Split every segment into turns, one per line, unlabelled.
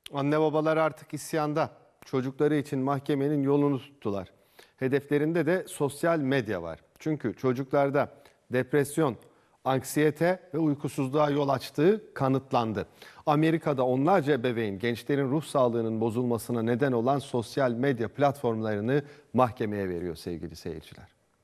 Anne babalar artık isyanda. Çocukları için mahkemenin yolunu tuttular. Hedeflerinde de sosyal medya var. Çünkü çocuklarda depresyon, anksiyete ve uykusuzluğa yol açtığı kanıtlandı. Amerika'da onlarca ebeveyn gençlerin ruh sağlığının bozulmasına neden olan sosyal medya platformlarını mahkemeye veriyor sevgili seyirciler.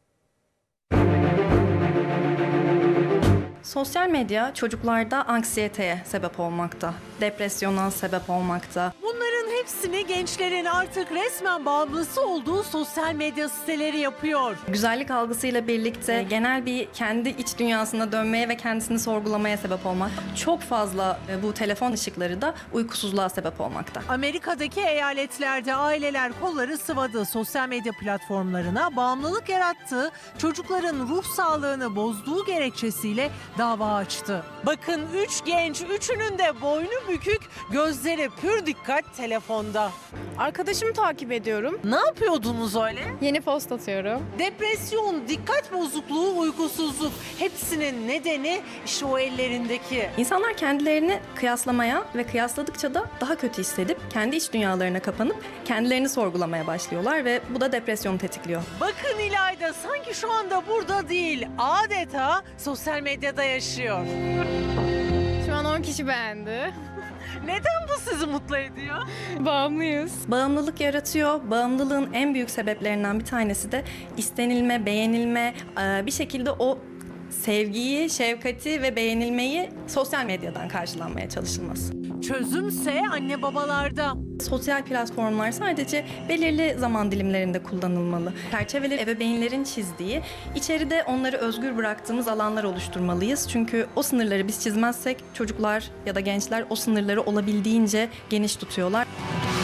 Sosyal medya çocuklarda anksiyeteye sebep olmakta, depresyona sebep olmakta.
Bunların hepsini gençlerin artık resmen bağımlısı olduğu sosyal medya siteleri yapıyor.
Güzellik algısıyla birlikte genel bir kendi iç dünyasına dönmeye ve kendisini sorgulamaya sebep olmak. Çok fazla bu telefon ışıkları da uykusuzluğa sebep olmakta.
Amerika'daki eyaletlerde aileler kolları sıvadı. Sosyal medya platformlarına bağımlılık yarattığı, çocukların ruh sağlığını bozduğu gerekçesiyle dava açtı. Bakın 3 genç, üçünün de boynu bükük, gözleri pür dikkat telefonda.
Arkadaşımı takip ediyorum.
Ne yapıyordunuz öyle?
Yeni post atıyorum.
Depresyon, dikkat bozukluğu, uykusuzluk hepsinin nedeni işte o ellerindeki.
İnsanlar kendilerini kıyaslamaya ve kıyasladıkça da daha kötü hissedip kendi iç dünyalarına kapanıp kendilerini sorgulamaya başlıyorlar ve bu da depresyonu tetikliyor.
Bakın İlayda sanki şu anda burada değil, adeta sosyal medyada yaşıyor.
Şu an 10 kişi beğendi.
Neden bu sizi mutlu ediyor?
Bağımlıyız.
Bağımlılık yaratıyor. Bağımlılığın en büyük sebeplerinden bir tanesi de istenilme, beğenilme, bir şekilde o sevgiyi, şefkati ve beğenilmeyi sosyal medyadan karşılanmaya çalışılması.
Çözümse anne babalarda.
Sosyal platformlar sadece belirli zaman dilimlerinde kullanılmalı. Çerçeveleri ebeveynlerin çizdiği, içeride onları özgür bıraktığımız alanlar oluşturmalıyız. Çünkü o sınırları biz çizmezsek çocuklar ya da gençler o sınırları olabildiğince geniş tutuyorlar.